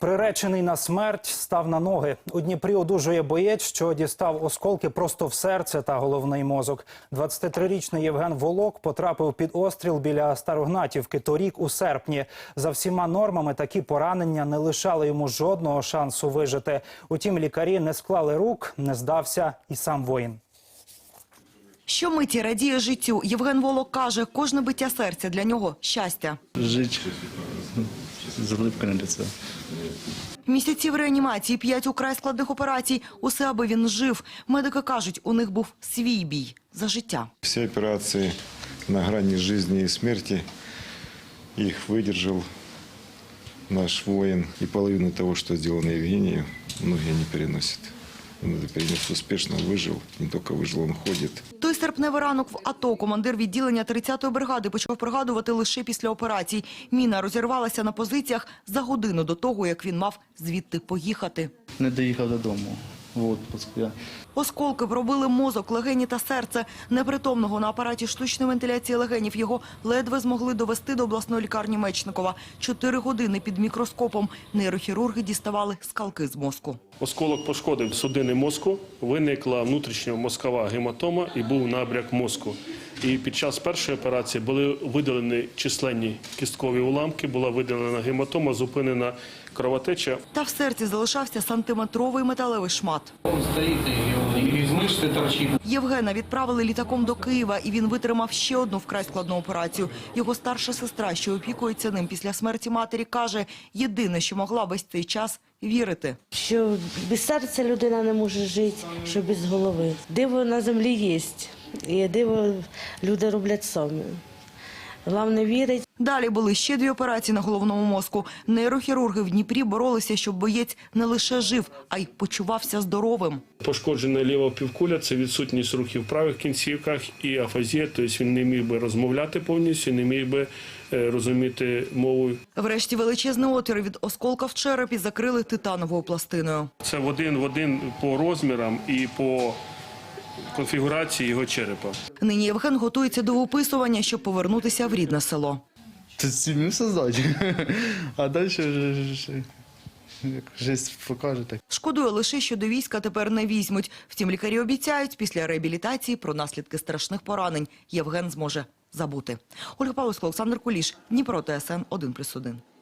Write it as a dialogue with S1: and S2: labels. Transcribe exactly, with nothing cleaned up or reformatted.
S1: Приречений на смерть став на ноги. У Дніпрі одужує боєць, що дістав осколки просто в серце та головний мозок. двадцятитрирічний Євген Волок потрапив під остріл біля Старогнатівки торік у серпні. За всіма нормами такі поранення не лишали йому жодного шансу вижити. Утім, лікарі не склали рук, не здався і сам воїн.
S2: Щомиті радіє життю. Євген Волок каже, кожне биття серця для нього – щастя.
S3: Жить з улыбкою на лице.
S2: Місяці в реанімації, п'ять украй складних операцій. Усе, аби він жив. Медики кажуть, у них був свій бій за життя.
S4: Всі операції на грані життя і смерті, їх видержав наш воїн. І половину того, що зроблено Євгенію, многие не переносять. Він це перенес успішно, вижив, не тільки вижив, він ходить.
S2: Той серпневий ранок в АТО командир відділення тридцятої бригади почав пригадувати лише після операцій. Міна розірвалася на позиціях за годину до того, як він мав звідти поїхати.
S3: Не доїхав додому в відпуск. Я.
S2: Осколки пробили мозок, легені та серце. Непритомного на апараті штучної вентиляції легенів його ледве змогли довести до обласної лікарні Мечникова. Чотири години під мікроскопом нейрохірурги діставали скалки з мозку.
S5: Осколок пошкодив судини мозку, виникла внутрішньомозкова гематома і був набряк мозку. І під час першої операції були видалені численні кісткові уламки, була видалена гематома, зупинена кровотеча.
S2: Та в серці залишався сантиметровий металевий шмат.
S6: Он стоит и из мышцы торчит.
S2: Євгена відправили літаком до Києва, і він витримав ще одну вкрай складну операцію. Його старша сестра, що опікується ним після смерті матері, каже, єдине, що могла весь цей час – вірити.
S7: Що без серця людина не може жити, що без голови. Диво на землі є, і диво люди роблять самі. Головне вірить.
S2: Далі були ще дві операції на головному мозку. Нейрохірурги в Дніпрі боролися, щоб боєць не лише жив, а й почувався здоровим.
S5: Пошкоджена ліва півкуля – це відсутність рухів в правих кінцівках і афазія, тобто він не міг би розмовляти повністю, не міг би розуміти мову.
S2: Врешті величезний отвір від осколка в черепі закрили титановою пластиною.
S5: Це в один в один по розмірам і по конфігурації його черепа.
S2: Нині Євген готується до виписування, щоб повернутися в рідне село.
S3: Це сім'ю создати. А далі вже як життя покаже так.
S2: Шкодує лише, що до війська тепер не візьмуть. Втім, лікарі обіцяють, після реабілітації про наслідки страшних поранень Євген зможе забути. Ольга Павловська, Олександр Куліш, Дніпро, ТСН один плюс один.